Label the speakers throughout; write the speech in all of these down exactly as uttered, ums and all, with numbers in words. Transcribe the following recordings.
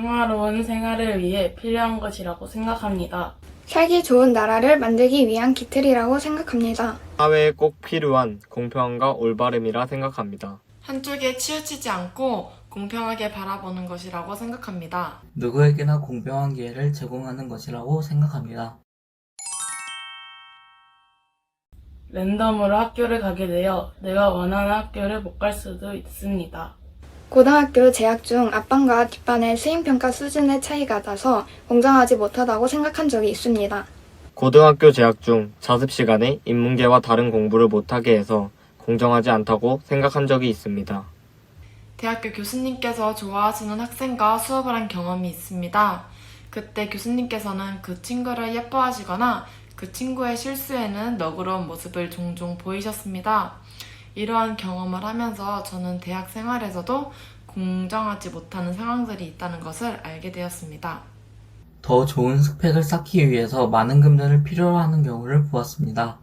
Speaker 1: 평화로운 생활을 위해 필요한 것이라고 생각합니다.
Speaker 2: 살기 좋은 나라를 만들기 위한 기틀이라고 생각합니다.
Speaker 3: 사회에 꼭 필요한 공평함과 올바름이라 생각합니다.
Speaker 4: 한쪽에 치우치지 않고 공평하게 바라보는 것이라고 생각합니다.
Speaker 5: 누구에게나 공평한 기회를 제공하는 것이라고 생각합니다.
Speaker 1: 랜덤으로 학교를 가게 되어 내가 원하는 학교를 못 갈 수도 있습니다.
Speaker 2: 고등학교 재학 중 앞반과 뒷반의 수행평가 수준의 차이가 나서 공정하지 못하다고 생각한 적이 있습니다.
Speaker 3: 고등학교 재학 중 자습 시간에 인문계와 다른 공부를 못하게 해서 공정하지 않다고 생각한 적이 있습니다.
Speaker 4: 대학교 교수님께서 좋아하시는 학생과 수업을 한 경험이 있습니다. 그때 교수님께서는 그 친구를 예뻐하시거나 그 친구의 실수에는 너그러운 모습을 종종 보이셨습니다. 이러한 경험을 하면서 저는 대학 생활에서도 공정하지 못하는 상황들이 있다는 것을 알게 되었습니다.
Speaker 5: 더 좋은 스펙을 쌓기 위해서 많은 금전을 필요로 하는 경우를 보았습니다.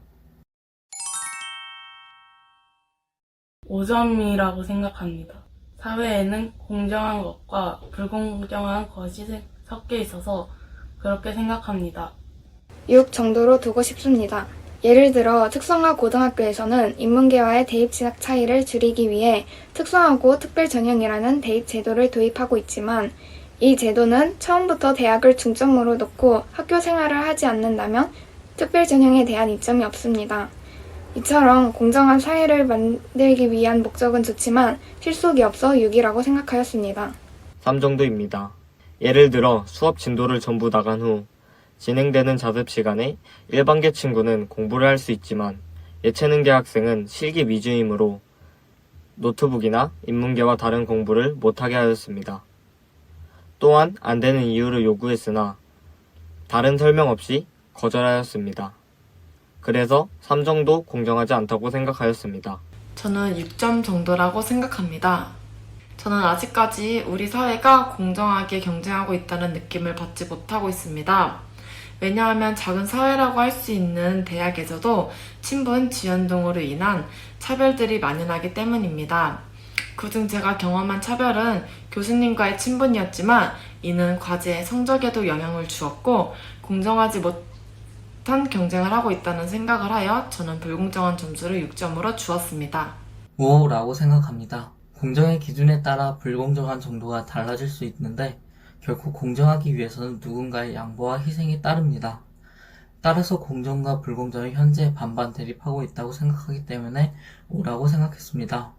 Speaker 1: 오 점이라고 생각합니다. 사회에는 공정한 것과 불공정한 것이 섞여 있어서 그렇게 생각합니다.
Speaker 2: 육 정도로 두고 싶습니다. 예를 들어 특성화 고등학교에서는 인문계와의 대입 진학 차이를 줄이기 위해 특성화고 특별 전형이라는 대입 제도를 도입하고 있지만 이 제도는 처음부터 대학을 중점으로 놓고 학교 생활을 하지 않는다면 특별 전형에 대한 이점이 없습니다. 이처럼 공정한 사회를 만들기 위한 목적은 좋지만 실속이 없어 육이라고 생각하였습니다.
Speaker 3: 삼 정도입니다. 예를 들어 수업 진도를 전부 나간 후 진행되는 자습 시간에 일반계 친구는 공부를 할 수 있지만 예체능계 학생은 실기 위주이므로 노트북이나 인문계와 다른 공부를 못하게 하였습니다. 또한 안 되는 이유를 요구했으나 다른 설명 없이 거절하였습니다. 그래서 삼 정도 공정하지 않다고 생각하였습니다.
Speaker 4: 저는 육 점 정도라고 생각합니다. 저는 아직까지 우리 사회가 공정하게 경쟁하고 있다는 느낌을 받지 못하고 있습니다. 왜냐하면 작은 사회라고 할 수 있는 대학에서도 친분, 지연 등으로 인한 차별들이 만연하기 때문입니다. 그중 제가 경험한 차별은 교수님과의 친분이었지만 이는 과제 성적에도 영향을 주었고 공정하지 못한 경쟁을 하고 있다는 생각을 하여 저는 불공정한 점수를 육 점으로 주었습니다.
Speaker 5: 오라고 생각합니다. 공정의 기준에 따라 불공정한 정도가 달라질 수 있는데 결코 공정하기 위해서는 누군가의 양보와 희생이 따릅니다. 따라서 공정과 불공정이 현재 반반 대립하고 있다고 생각하기 때문에 오라고 생각했습니다.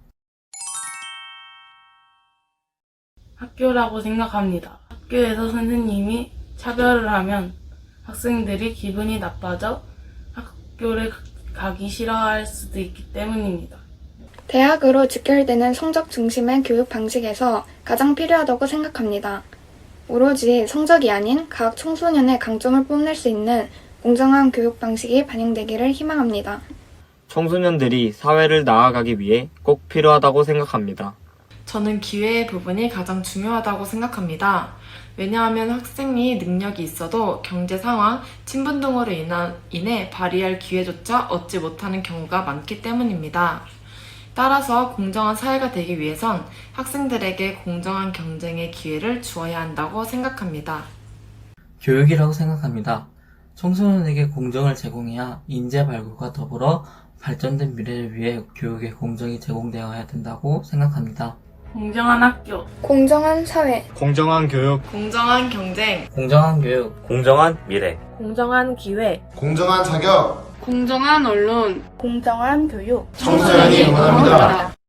Speaker 1: 학교라고 생각합니다. 학교에서 선생님이 차별을 하면 학생들이 기분이 나빠져 학교를 가기 싫어할 수도 있기 때문입니다.
Speaker 2: 대학으로 직결되는 성적 중심의 교육 방식에서 가장 필요하다고 생각합니다. 오로지 성적이 아닌 각 청소년의 강점을 뽐낼 수 있는 공정한 교육 방식이 반영되기를 희망합니다.
Speaker 3: 청소년들이 사회를 나아가기 위해 꼭 필요하다고 생각합니다.
Speaker 4: 저는 기회의 부분이 가장 중요하다고 생각합니다. 왜냐하면 학생이 능력이 있어도 경제 상황, 친분 등으로 인한, 인해 발휘할 기회조차 얻지 못하는 경우가 많기 때문입니다. 따라서 공정한 사회가 되기 위해선 학생들에게 공정한 경쟁의 기회를 주어야 한다고 생각합니다.
Speaker 5: 교육이라고 생각합니다. 청소년에게 공정을 제공해야 인재 발굴과 더불어 발전된 미래를 위해 교육의 공정이 제공되어야 된다고 생각합니다.
Speaker 1: 공정한 학교,
Speaker 2: 공정한 사회,
Speaker 3: 공정한 교육,
Speaker 4: 공정한 경쟁,
Speaker 5: 공정한 교육,
Speaker 3: 공정한 미래.
Speaker 1: 공정한 기회,
Speaker 6: 공정한 자격,
Speaker 1: 공정한 언론,
Speaker 2: 공정한 교육.
Speaker 6: 청소년이 응원합니다.